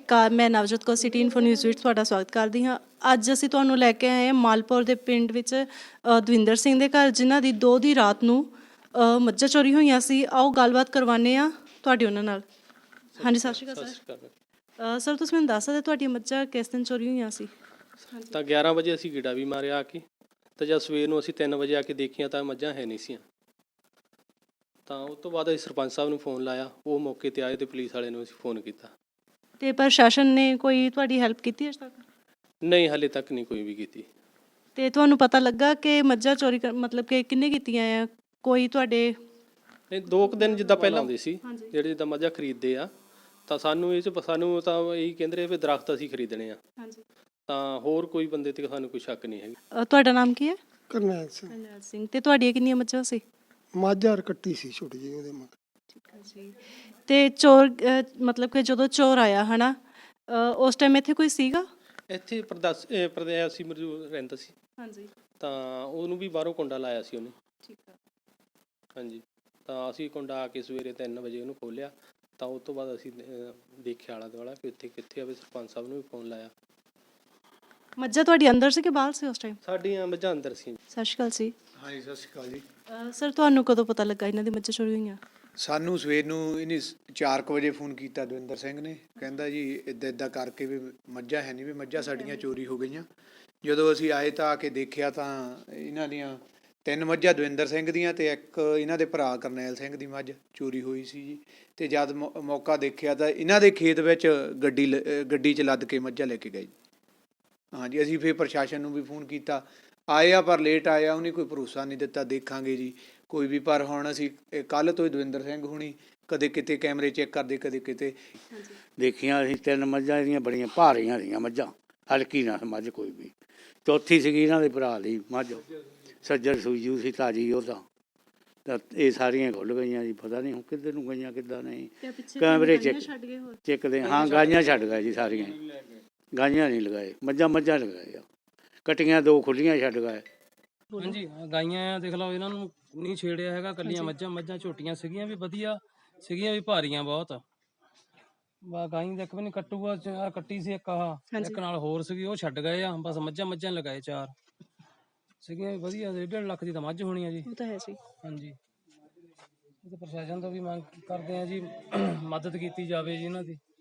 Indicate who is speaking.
Speaker 1: ਅਕਾਲ। ਮੈਂ Navjot Kaur city info news ਵਿੱਚ ਤੁਹਾਡਾ ਸਵਾਗਤ ਕਰਦੀ ਹਾਂ। ਅੱਜ ਅਸੀਂ ਤੁਹਾਨੂੰ ਲੈ ਕੇ ਆਏ ਹਾਂ ਮਾਲਪੁਰ ਦੇ ਪਿੰਡ ਵਿੱਚ ਦਵਿੰਦਰ ਸਿੰਘ ਦੇ ਘਰ, ਜਿਨ੍ਹਾਂ ਦੀ 2 ਦੀ ਰਾਤ ਨੂੰ ਮੱਝਾਂ ਚੋਰੀ ਹੋਈਆਂ ਸੀ। ਆਓ ਗੱਲਬਾਤ ਕਰਵਾਉਂਦੇ ਹਾਂ ਤੁਹਾਡੀ ਉਹਨਾਂ ਨਾਲ। ਹਾਂਜੀ, ਸਤਿ ਸ਼੍ਰੀ ਅਕਾਲ ਸਰ। ਸਰ ਤੁਸੀਂ ਮੈਨੂੰ ਦੱਸ ਸਕਦੇ ਤੁਹਾਡੀਆਂ ਮੱਝਾਂ ਕਿਸ ਦਿਨ ਚੋਰੀ ਹੋਈਆਂ ਸੀ?
Speaker 2: ਤਾਂ 11 ਵਜੇ ਅਸੀਂ ਗੇੜਾ ਵੀ ਮਾਰਿਆ ਆ ਕੇ, ਤਾਂ ਜਦ ਸਵੇਰ ਨੂੰ ਅਸੀਂ 3 ਵਜੇ ਆ ਕੇ ਦੇਖੀਆਂ ਤਾਂ ਮੱਝਾਂ ਹੈ ਨਹੀਂ ਸੀਆਂ। ਤਾਂ ਉਸ ਤੋਂ ਬਾਅਦ ਅਸੀਂ ਸਰਪੰਚ ਸਾਹਿਬ ਨੂੰ ਫੋਨ ਲਾਇਆ, ਉਹ ਮੌਕੇ 'ਤੇ ਆਏ ਅਤੇ ਪੁਲਿਸ ਵਾਲੇ ਨੂੰ ਅਸੀਂ ਫੋਨ ਕੀਤਾ।
Speaker 1: ਅਤੇ ਪ੍ਰਸ਼ਾਸਨ ਨੇ ਕੋਈ ਤੁਹਾਡੀ ਹੈਲਪ ਕੀਤੀ ਅਜੇ ਤੱਕ?
Speaker 2: ਨਹੀਂ, ਹਾਲੇ ਤੱਕ ਨਹੀਂ ਕੋਈ ਵੀ ਕੀਤੀ।
Speaker 1: ਅਤੇ ਤੁਹਾਨੂੰ ਪਤਾ ਲੱਗਾ ਕਿ ਮੱਝਾਂ ਚੋਰੀ ਮਤਲਬ ਕਿ ਕਿਹਨੇ ਕੀਤੀਆਂ ਆ? ਕੋਈ ਤੁਹਾਡੇ
Speaker 2: ਨਹੀਂ, 2 ਕੁ ਦਿਨ ਜਿੱਦਾਂ ਪਹਿਲਾਂ ਆਉਂਦੇ ਸੀ ਜਿਹੜੇ ਜਿੱਦਾਂ ਮੱਝਾਂ ਖਰੀਦਦੇ ਆ, ਤਾਂ ਸਾਨੂੰ ਸਾਨੂੰ ਤਾਂ ਇਹੀ ਕਹਿੰਦੇ ਰਹੇ ਵੀ ਦਰਖਤ ਅਸੀਂ ਖਰੀਦਣੇ ਆ। ਤਾਂ ਹੋਰ ਕੋਈ ਬੰਦੇ 'ਤੇ ਸਾਨੂੰ ਕੋਈ ਸ਼ੱਕ ਨਹੀਂ ਹੈਗਾ।
Speaker 1: ਤੁਹਾਡਾ ਨਾਮ ਕੀ ਹੈ?
Speaker 3: ਕਰਨੈਲ ਸਿੰਘ।
Speaker 1: ਕਰਨੈਲ ਸਿੰਘ। ਅਤੇ ਤੁਹਾਡੀਆਂ ਕਿੰਨੀਆਂ ਮੱਝਾਂ ਸੀ?
Speaker 3: ਮਾਝਾ ਕੱਟੀ ਸੀ ਛੋਟੀ ਜਿਹੀ ਉਹਦੇ ਮਗਰ।
Speaker 1: ਠੀਕ ਹੈ ਜੀ। ਅਤੇ ਚੋਰ ਮਤਲਬ ਕਿ ਜਦੋਂ ਚੋਰ ਆਇਆ ਹੈ ਨਾ, ਉਸ ਟਾਈਮ ਇੱਥੇ ਕੋਈ ਸੀਗਾ?
Speaker 2: ਇੱਥੇ ਪ੍ਰਦੇਸੀ ਮੌਜੂਦ ਰਹਿੰਦਾ ਸੀ।
Speaker 1: ਹਾਂਜੀ।
Speaker 2: ਤਾਂ ਉਹਨੂੰ ਵੀ ਬਾਹਰੋਂ ਕੁੰਡਾ ਲਾਇਆ ਸੀ ਉਹਨੇ।
Speaker 1: ਠੀਕ ਹੈ।
Speaker 2: ਹਾਂਜੀ, ਤਾਂ ਅਸੀਂ ਕੁੰਡਾ ਆ ਕੇ ਸਵੇਰੇ 3 ਵਜੇ ਉਹਨੂੰ ਖੋਲ੍ਹਿਆ। ਤਾਂ ਉਸ ਤੋਂ ਬਾਅਦ ਅਸੀਂ ਦੇਖਿਆ ਆਲਾ ਦੁਆਲਾ ਕਿ ਉੱਥੇ ਕਿੱਥੇ ਆਵੇ। ਸਰਪੰਚ ਸਾਹਿਬ ਨੂੰ ਵੀ ਫੋਨ ਲਾਇਆ।
Speaker 1: ਮੱਝਾਂ ਤੁਹਾਡੀ ਅੰਦਰ ਸੀ ਕਿ ਬਾਹਰ ਸੀ ਉਸ ਟਾਈਮ?
Speaker 2: ਸਾਡੀਆਂ ਮੱਝਾਂ ਅੰਦਰ ਸੀ।
Speaker 1: ਸਤਿ ਸ਼੍ਰੀ ਅਕਾਲ ਜੀ।
Speaker 3: ਹਾਂਜੀ, ਸਤਿ ਸ਼੍ਰੀ ਅਕਾਲ ਜੀ।
Speaker 1: ਸਰ ਤੁਹਾਨੂੰ ਕਦੋਂ ਪਤਾ ਲੱਗਾ ਇਹਨਾਂ ਦੀ ਮੱਝਾਂ ਚੋਰੀ ਹੋਈਆਂ?
Speaker 3: ਸਾਨੂੰ ਸਵੇਰ ਨੂੰ ਇਹਨੇ 4 ਵਜੇ ਫੋਨ ਕੀਤਾ ਦਵਿੰਦਰ ਸਿੰਘ ਨੇ, ਕਹਿੰਦਾ ਜੀ ਇੱਦਾਂ ਇੱਦਾਂ ਕਰਕੇ ਵੀ ਮੱਝਾਂ ਹੈ ਨਹੀਂ, ਵੀ ਮੱਝਾਂ ਸਾਡੀਆਂ ਚੋਰੀ ਹੋ ਗਈਆਂ। ਜਦੋਂ ਅਸੀਂ ਆਏ ਤਾਂ ਆ ਕੇ ਦੇਖਿਆ ਤਾਂ ਇਹਨਾਂ ਦੀਆਂ 3 ਮੱਝਾਂ ਦਵਿੰਦਰ ਸਿੰਘ ਦੀਆਂ ਅਤੇ ਇੱਕ ਇਹਨਾਂ ਦੇ ਭਰਾ ਕਰਨੈਲ ਸਿੰਘ ਦੀ ਮੱਝ ਚੋਰੀ ਹੋਈ ਸੀ ਜੀ। ਅਤੇ ਜਦ ਮੌਕਾ ਦੇਖਿਆ ਤਾਂ ਇਹਨਾਂ ਦੇ ਖੇਤ ਵਿੱਚ ਗੱਡੀ 'ਚ ਲੱਦ ਕੇ ਮੱਝਾਂ ਲੈ ਕੇ ਗਏ। ਹਾਂਜੀ, ਅਸੀਂ ਫਿਰ ਪ੍ਰਸ਼ਾਸਨ ਨੂੰ ਵੀ ਫੋਨ ਕੀਤਾ, ਆਏ ਆ ਪਰ ਲੇਟ ਆਇਆ, ਉਹਨੇ ਕੋਈ ਭਰੋਸਾ ਨਹੀਂ ਦਿੱਤਾ ਦੇਖਾਂਗੇ ਜੀ ਕੋਈ ਵੀ। ਪਰ ਹੁਣ ਅਸੀਂ ਕੱਲ੍ਹ ਤੋਂ ਹੀ ਦਵਿੰਦਰ ਸਿੰਘ ਹੁਣੀ ਕਦੇ ਕਿਤੇ ਕੈਮਰੇ ਚੈੱਕ ਕਰਦੇ, ਕਦੇ ਕਿਤੇ
Speaker 4: ਦੇਖੀਆਂ। ਅਸੀਂ 3 ਮੱਝਾਂ ਇਹਦੀਆਂ ਬੜੀਆਂ ਭਾਰੀਆਂ ਸੀਗੀਆਂ ਮੱਝਾਂ, ਹਲਕੀ ਨਾ ਮੱਝ ਕੋਈ ਵੀ। ਚੌਥੀ ਸੀਗੀ ਇਹਨਾਂ ਦੇ ਭਰਾ ਲਈ ਮੱਝ, ਸੱਜਰ ਸੂਜੂ ਸੀ ਤਾਜੀ ਉਹ ਤਾਂ ਇਹ ਸਾਰੀਆਂ ਖੁੱਲ੍ਹ ਗਈਆਂ ਜੀ। ਪਤਾ ਨਹੀਂ ਹੁਣ ਕਿੱਧਰ ਨੂੰ ਗਈਆਂ ਕਿੱਦਾਂ ਨਹੀਂ। ਕੈਮਰੇ ਚੈੱਕਦੇ ਹਾਂ, ਗਾਈਆਂ ਛੱਡ ਗਏ ਜੀ ਸਾਰੀਆਂ। ਗਾਈਆਂ ਨਹੀਂ ਲਗਾਏ, ਮੱਝਾਂ ਲਗਾਏ ਆ। ਕਟੀਆਂ 2 ਖੁੱਲੀਆਂ ਛੱਡ ਗਏ।
Speaker 2: ਹਾਂਜੀ, ਗਾਈਆਂ ਦੇਖ ਲਓ, ਇਹਨਾਂ ਨੂੰ ਨਹੀਂ ਛੇੜਿਆ ਹੈਗਾ। ਕੱਲੀਆਂ ਮੱਝਾਂ ਝੋਟੀਆਂ ਸੀਗੀਆਂ, ਵੀ ਵਧੀਆ ਸੀਗੀਆਂ, ਵੀ ਭਾਰੀਆਂ ਬਹੁਤ। ਗਾਈ ਦਾ ਇੱਕ ਵੀ ਨਹੀਂ ਕੱਟੂਗਾ, ਕੱਟੀ ਸੀ ਇੱਕ ਇੱਕ ਨਾਲ ਹੋਰ ਸੀਗੀ, ਉਹ ਛੱਡ ਗਏ ਆ। ਬਸ ਮੱਝਾਂ ਲਗਾਏ 4 ਸੀਗੀਆਂ, ਵਧੀਆ। 1.5 ਲੱਖ ਦੀ ਤਾਂ ਮੱਝ ਹੋਣੀ ਆ ਜੀ।
Speaker 1: ਉਹ ਤਾਂ ਹੈ ਜੀ।
Speaker 2: ਹਾਂਜੀ, ਪ੍ਰਸ਼ਾਸਨ ਤੋਂ ਵੀ ਮੰਗ ਕਰਦੇ ਆ ਜੀ, ਮਦਦ ਕੀਤੀ ਜਾਵੇ ਜੀ ਇਹਨਾਂ ਦੀ।